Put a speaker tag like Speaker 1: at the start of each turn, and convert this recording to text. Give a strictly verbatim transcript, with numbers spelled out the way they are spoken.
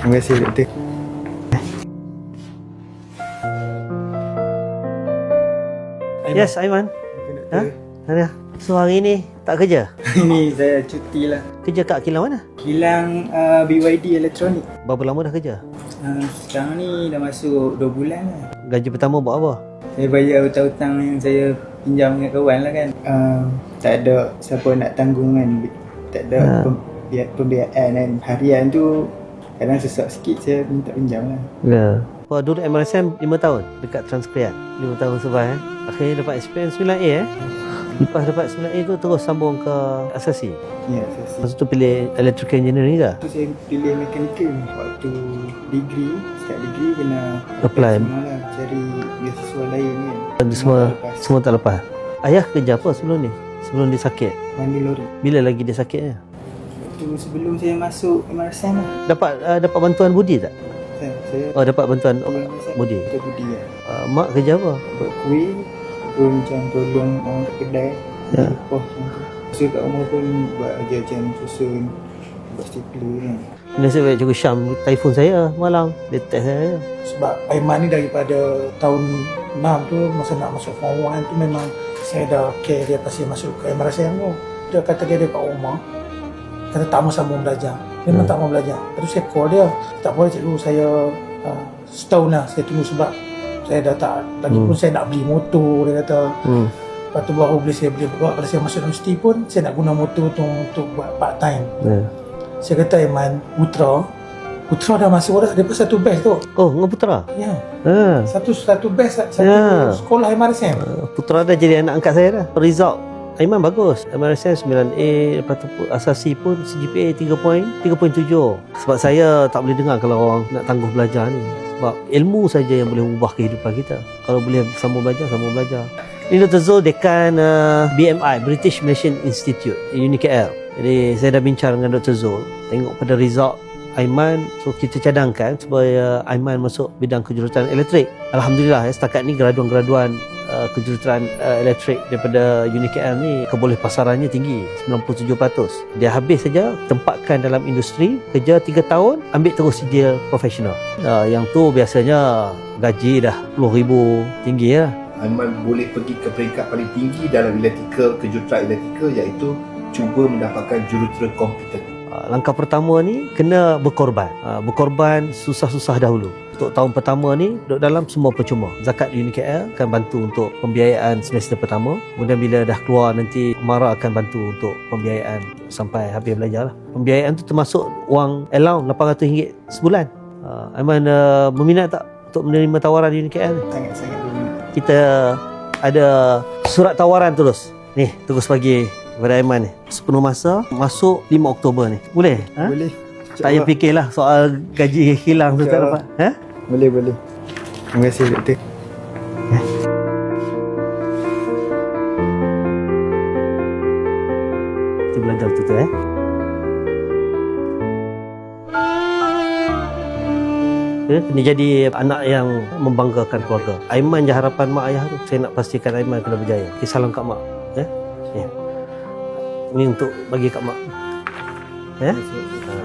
Speaker 1: Terima kasih doktor.
Speaker 2: Yes, Aiman. Ha? Ada. So hari ni tak kerja?
Speaker 1: Ini saya cuti lah.
Speaker 2: Kerja kat kilang mana?
Speaker 1: Kilang uh, B Y D Elektronik.
Speaker 2: Berapa lama dah kerja?
Speaker 1: Uh, sekarang ni dah masuk dua bulan lah.
Speaker 2: Gaji pertama buat apa?
Speaker 1: Saya bayar hutang-hutang yang saya pinjam dengan kawan lah kan. Uh, tak ada siapa nak tanggung kan. Tak ada
Speaker 2: Ha.
Speaker 1: pembiayaan, pembiayaan kan. Harian tu kadang sesak sikit saya minta pinjam lah.
Speaker 2: Ya. Kau duduk M R S M lima tahun dekat Transkriat. lima tahun survive eh. Akhirnya dapat experience sembilan A eh. Lepas dapat sembilan A tu terus sambung ke asasi.
Speaker 1: Ya, saya sih.
Speaker 2: Masa tu pilih electrical engineering ke?
Speaker 1: Tu saya pilih mechanical. Waktu degree, start degree kena
Speaker 2: Apply.
Speaker 1: semua lah. Cari beasiswa lain kan.
Speaker 2: Dan semua
Speaker 1: tak lepas.
Speaker 2: semua tak lepas. Ayah kerja apa sebelum ni? Sebelum dia sakit.
Speaker 1: Mandi lori.
Speaker 2: Bila lagi dia sakitnya?
Speaker 1: Waktu sebelum saya masuk M R S M lah.
Speaker 2: Dapat uh, dapat bantuan budi tak?
Speaker 1: Saya, saya
Speaker 2: Oh dapat bantuan oh,
Speaker 1: M R S M,
Speaker 2: budi.
Speaker 1: Doktor Budi lah.
Speaker 2: Uh, mak kerja apa?
Speaker 1: Buat kuih, pun macam tolong orang kat kedai.
Speaker 2: Ya.
Speaker 1: Lepas macam tu. So kat rumah pun buat kerja macam susun, buat stapler kan.
Speaker 2: Nasib baik Cikgu Syam telefon saya malam. Dia test saya.
Speaker 3: Sebab Aiman ni daripada tahun enam tu masa nak masuk form one tu memang saya dah care dia pasal masuk ke M R S M tu. Dia kata dia ada kat rumah, kata tak mau sambung belajar. Memang
Speaker 2: Hmm.
Speaker 3: tak mau belajar. Lepas tu saya call dia, tak boleh cikgu, saya uh, setahun lah saya tunggu sebab saya dah tak, lagi
Speaker 2: Hmm.
Speaker 3: pun saya nak beli motor, dia kata.
Speaker 2: Hmm.
Speaker 3: Lepas tu baru boleh saya beli, kalau saya masuk universiti pun saya nak guna motor tu untuk buat part time.
Speaker 2: Ya.
Speaker 3: Saya kata Aiman, Putra Putra dah masuk dah, dia pun satu batch tu.
Speaker 2: Oh, dengan Putra?
Speaker 3: Ya,
Speaker 2: Ha.
Speaker 3: satu satu batch, satu
Speaker 2: Ya.
Speaker 3: sekolah M R S M.
Speaker 2: Uh, Putra dah jadi anak angkat saya dah. Result Aiman bagus. M R S M sembilan A, lepas tu pun asasi pun C G P A tiga perpuluhan tujuh. Sebab saya tak boleh dengar kalau orang nak tangguh belajar ni. Sebab ilmu saja yang boleh ubah kehidupan kita. Kalau boleh sambung belajar, sambung belajar. Ini Doktor Zul, Dekan uh, B M I, British Malaysian Institute, Uni K L. Jadi saya dah bincang dengan Doktor Zul. Tengok pada result Aiman, so kita cadangkan supaya Aiman masuk bidang kejuruteraan elektrik. Alhamdulillah ya, setakat ni graduan-graduan uh, kejuruteraan uh, elektrik daripada Uni K L ni keboleh pasarannya tinggi, sembilan puluh tujuh peratus. Dia habis saja tempatkan dalam industri, kerja tiga tahun, ambil terus dia profesional. Uh, yang tu biasanya gaji dah puluh ribu, tinggi ya.
Speaker 4: Aiman boleh pergi ke peringkat paling tinggi dalam elektrikal, kejuruteraan elektrikal, iaitu cuba mendapatkan jurutera komputer.
Speaker 2: Uh, langkah pertama ni kena berkorban. Uh, berkorban susah-susah dahulu. Untuk tahun pertama ni duduk dalam semua percuma. Zakat Uni K L akan bantu untuk pembiayaan semester pertama. Kemudian bila dah keluar nanti Mara akan bantu untuk pembiayaan sampai habis belajar lah. Pembiayaan tu termasuk wang allowance lapan ratus ringgit sebulan. Uh, Aiman uh, berminat tak untuk menerima tawaran Uni K L ni?
Speaker 1: Sangat-sangat berminat.
Speaker 2: Kita ada surat tawaran terus. Ni terus bagi kepada Aiman ni. Sepenuh masa masuk lima Oktober ni. Boleh? Ha?
Speaker 1: Boleh.
Speaker 2: Tak payah fikirlah soal gaji hilang tu tak
Speaker 1: InsyaAllah.
Speaker 2: dapat. Ha?
Speaker 1: Boleh, boleh. Terima kasih doktor.
Speaker 2: Kita belajar betul-betul eh. Dia kena jadi anak yang membanggakan keluarga. Aiman je harapan mak ayah tu. Saya nak pastikan Aiman kena berjaya. Okay, salam kat mak. Ya? Ya. Ini untuk bagi kat mak. Ya? Ha.